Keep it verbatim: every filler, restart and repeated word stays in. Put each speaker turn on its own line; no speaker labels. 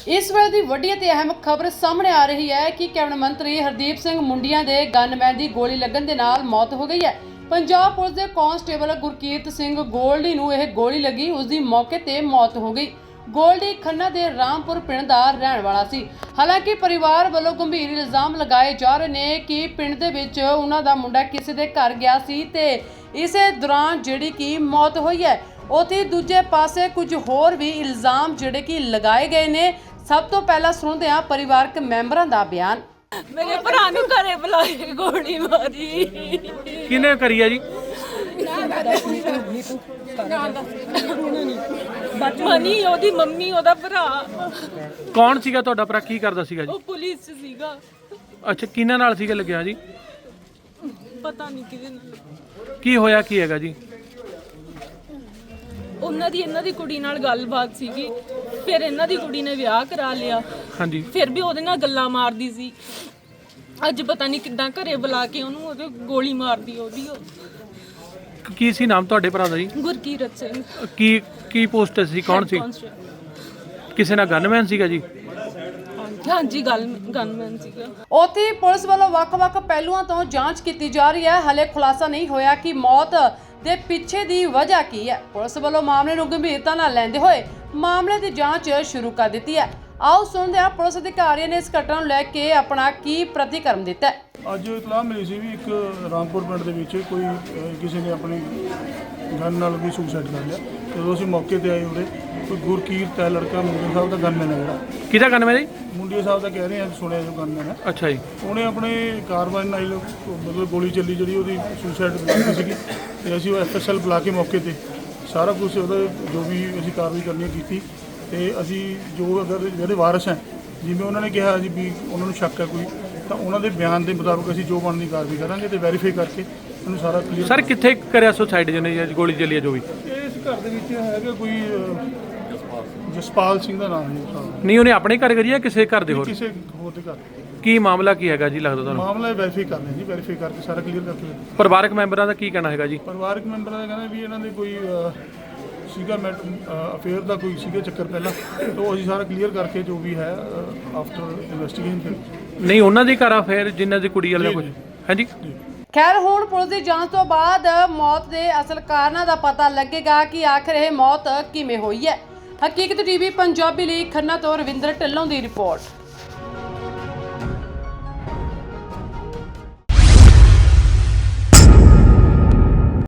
इस वेले की वड्डी ते अहम खबर सामने आ रही है कि कैबिनेट मंत्री हरदीप सिंह मुंडिया के गनमैन की गोली लगन के नाल मौत हो गई है। पंजाब पुलिस के कांस्टेबल गुरकीरत सिंह गोल्डी नूं यह गोली लगी, उसकी मौके ते मौत हो गई। गोल्डी खन्ना के रामपुर पिंड का रहने वाला सी। हालांकि परिवार वालों गंभीर इल्जाम लगाए जा रहे हैं कि पिंड दे विच उन्हां दा मुंडा किसी के घर गया सी ते इस दौरान जिहड़ी कि मौत हुई है। उत्थे दूजे पासे कुछ होर भी इल्जाम जिहड़े कि लगाए गए ने। सब तो पहला सुनते हैं परिवारक मैंबरां दा बयान।
मेरे भरा नूं घरे बुलाए गोली मारी।
किने करी है जी?
मनी ओदी मम्मी ओदा भरा।
कौन सीगा तुहाडा भरा, की करदा सीगा जी?
ਉਹ ਪੁਲਿਸ ਚ ਸੀਗਾ।
ਅੱਛਾ, ਕਿਹਨਾਂ ਨਾਲ ਸੀਗਾ ਲੱਗਿਆ ਜੀ?
ਪਤਾ ਨਹੀਂ ਕਿਹਦੇ ਨਾਲ।
ਕੀ ਹੋਇਆ ਕੀ ਹੈਗਾ ਜੀ?
ਉਹਨਾਂ ਦੀ ਇਹਨਾਂ ਦੀ ਕੁੜੀ ਨਾਲ ਗੱਲਬਾਤ ਸੀਗੀ, ਫਿਰ ਇਹਨਾਂ ਦੀ ਕੁੜੀ ਨੇ ਵਿਆਹ ਕਰਾ ਲਿਆ।
ਹਾਂਜੀ,
ਫਿਰ ਵੀ ਉਹਦੇ ਨਾਲ ਗੱਲਾਂ ਮਾਰਦੀ ਸੀ। ਅੱਜ ਪਤਾ ਨਹੀਂ ਕਿੱਦਾਂ ਘਰੇ ਬੁਲਾ ਕੇ ਉਹਨੂੰ ਉਹਦੇ ਗੋਲੀ ਮਾਰਦੀ ਉਹਦੀ।
ਕੀ ਸੀ ਨਾਮ ਤੁਹਾਡੇ ਭਰਾ ਦਾ ਜੀ?
ਗੁਰਕੀਰਤ ਸਿੰਘ।
ਕੀ ਕੀ ਪੋਸਟ ਸੀ, ਕੌਣ ਸੀ? ਕਿਸੇ ਨਾਲ ਗਨਮੈਨ ਸੀਗਾ ਜੀ?
ਹਾਂਜੀ, ਗੱਲ ਗਨਮੈਨ ਸੀਗਾ।
ਉੱਥੇ ਪੁਲਿਸ ਵੱਲੋਂ ਵੱਖ-ਵੱਖ ਪਹਿਲੂਆਂ ਤੋਂ ਜਾਂਚ ਕੀਤੀ ਜਾ ਰਹੀ ਹੈ। ਹਲੇ ਖੁਲਾਸਾ ਨਹੀਂ ਹੋਇਆ ਕਿ ਮੌਤ ਦੇ ਪਿੱਛੇ ਦੀ ਵਜ੍ਹਾ ਕੀ ਹੈ। ਪੁਲਿਸ ਵੱਲੋਂ ਮਾਮਲੇ ਨੂੰ ਗੰਭੀਰਤਾ ਨਾਲ ਲੈਂਦੇ ਹੋਏ ਮਾਮਲੇ ਦੀ ਜਾਂਚ ਸ਼ੁਰੂ ਕਰ ਦਿੱਤੀ ਹੈ। ਆਓ ਸੁਣਦੇ ਹਾਂ ਪੁਲਿਸ ਅਧਿਕਾਰੀਆਂ ਨੇ ਇਸ ਘਟਨਾ ਨੂੰ ਲੈ ਕੇ ਆਪਣਾ ਕੀ ਪ੍ਰਤੀਕਰਮ ਦਿੱਤਾ ਹੈ।
ਅੱਜ ਇਤਲਾਹ ਮਿਲੀ ਸੀ ਵੀ ਇੱਕ ਰਾਮਪੁਰ ਪਿੰਡ ਦੇ ਵਿੱਚ ਕੋਈ ਅਹ, ਕਿਸੇ ਨੇ ਆਪਣੀ ਗਨ ਨਾਲ ਵੀ ਸੁਸਾਈਡ ਕਰ ਲਿਆ। ਜਦੋਂ ਅਸੀਂ ਮੌਕੇ ਤੇ ਆਏ ਉਰੇ ਕੋਈ ਗੁਰਕੀਰਤ ਹੈ ਲੜਕਾ, ਮੁੰਡੇ ਸਾਹਿਬ ਦਾ ਗਨਮੈਨ ਹੈ ਜਿਹੜਾ।
ਕਿਹਦਾ ਗਨਮੈਨ ਜੀ?
ਮੁੰਡੇ ਸਾਹਿਬ ਦਾ ਕਹਿ ਰਹੇ ਆ, ਸੁਣਿਆ ਜੋ ਗਨਮੈਨ ਹੈ।
ਅੱਛਾ ਜੀ।
ਉਹਨੇ ਆਪਣੇ ਕਾਰਵਾਈ ਨਾਲ ਮਤਲਬ ਗੋਲੀ ਚੱਲੀ ਜਿਹੜੀ ਉਹਦੀ ਸੁਸਾਈਡ ਕੀਤੀ ਸੀਗੀ ਤੇ ਅਸੀਂ ਉਹ ਐਫ ਐਸ ਐਲ ਬੁਲਾ ਕੇ ਮੌਕੇ ਤੇ ਸਾਰਾ ਕੁਝ ਉਹਦਾ ਜੋ ਵੀ ਅਸੀਂ ਕਾਰਵਾਈ ਕਰਨੀ ਕੀਤੀ ਤੇ ਅਸੀਂ ਜੋ ਅਗਰ ਜਿਹੜੇ ਵਾਰਸ ਹੈ ਜਿਵੇਂ ਉਹਨਾਂ ਨੇ ਕਿਹਾ ਜੀ ਵੀ ਉਹਨਾਂ ਨੂੰ ਸ਼ੱਕ ਹੈ ਕੋਈ, ਤਾਂ ਉਹਨਾਂ ਦੇ ਬਿਆਨ ਦੇ ਮੁਤਾਬਕ ਅਸੀਂ ਜੋ ਬਣਦੀ ਕਾਰਵਾਈ ਕਰਾਂਗੇ ਤੇ ਵੈਰੀਫਾਈ ਕਰਕੇ ਉਹਨੂੰ ਸਾਰਾ ਕਲੀਅਰ।
ਸਰ ਕਿੱਥੇ ਕਰਿਆ ਸੁਸਾਈਡ ਜਿਹਨੇ ਜੀ ਗੋਲੀ ਚੱਲੀ ਹੈ ਜੋ ਵੀ?
ਇਸ ਘਰ ਦੇ ਵਿੱਚ ਹੈਗਾ ਕੋਈ ਅਹ, ਜਸਪਾਲ ਸਿੰਘ ਦਾ ਨਾਮ ਹੈ ਸਾਹਿਬ।
ਨਹੀਂ, ਉਹਨੇ ਆਪਣੇ ਘਰ ਕਰੀ ਜਾਂ ਕਿਸੇ ਘਰ ਦੇ ਹੋਰ?
ਕਿਸੇ ਹੋਰ ਦੇ ਘਰ।
ਕੀ ਮਾਮਲਾ ਕੀ ਹੈਗਾ ਜੀ ਲੱਗਦਾ ਤੁਹਾਨੂੰ?
ਮਾਮਲਾ ਵੈਰੀਫਾਈ ਕਰਨਾ ਜੀ, ਵੈਰੀਫਾਈ ਕਰਕੇ ਸਾਰਾ ਕਲੀਅਰ ਕਰਕੇ।
ਪਰਿਵਾਰਕ ਮੈਂਬਰਾਂ ਦਾ ਕੀ ਕਹਿਣਾ ਹੈਗਾ ਜੀ?
ਪਰਿਵਾਰਕ ਮੈਂਬਰਾਂ ਦਾ ਕਹਿੰਦਾ ਵੀ ਇਹਨਾਂ ਦੇ ਕੋਈ ਅਹ, ਸੀਗਾ ਮੈਟ ਅਫੇਅਰ ਦਾ ਕੋਈ ਸੀਗਾ ਚੱਕਰ ਪਹਿਲਾਂ, ਤੋਂ ਅਸੀਂ ਸਾਰਾ ਕਲੀਅਰ ਕਰਕੇ ਜੋ ਵੀ ਹੈ ਆਫਟਰ ਇਨਵੈਸਟੀਗੇਸ਼ਨ ਫਿਰ।
ਨਹੀਂ, ਉਹਨਾਂ ਦੇ ਘਰ ਆ ਫਿਰ ਜਿਨ੍ਹਾਂ ਦੀ ਕੁੜੀ ਵਾਲਾ ਕੁਝ ਹਾਂਜੀ।
ਖੈਰ ਹੁਣ ਪੁਲਿਸ ਦੀ ਜਾਂਚ ਤੋਂ ਬਾਅਦ ਮੌਤ ਦੇ ਅਸਲ ਕਾਰਨਾਂ ਦਾ ਪਤਾ ਲੱਗੇਗਾ ਕਿ ਆਖਿਰ ਇਹ ਮੌਤ ਕਿਵੇਂ ਹੋਈ ਹੈ। ਹਕੀਕਤ ਟੀਵੀ ਪੰਜਾਬੀ ਲਈ ਖੰਨਾ ਤੋਂ ਰਵਿੰਦਰ ਢਿੱਲੋਂ ਦੀ ਰਿਪੋਰਟ।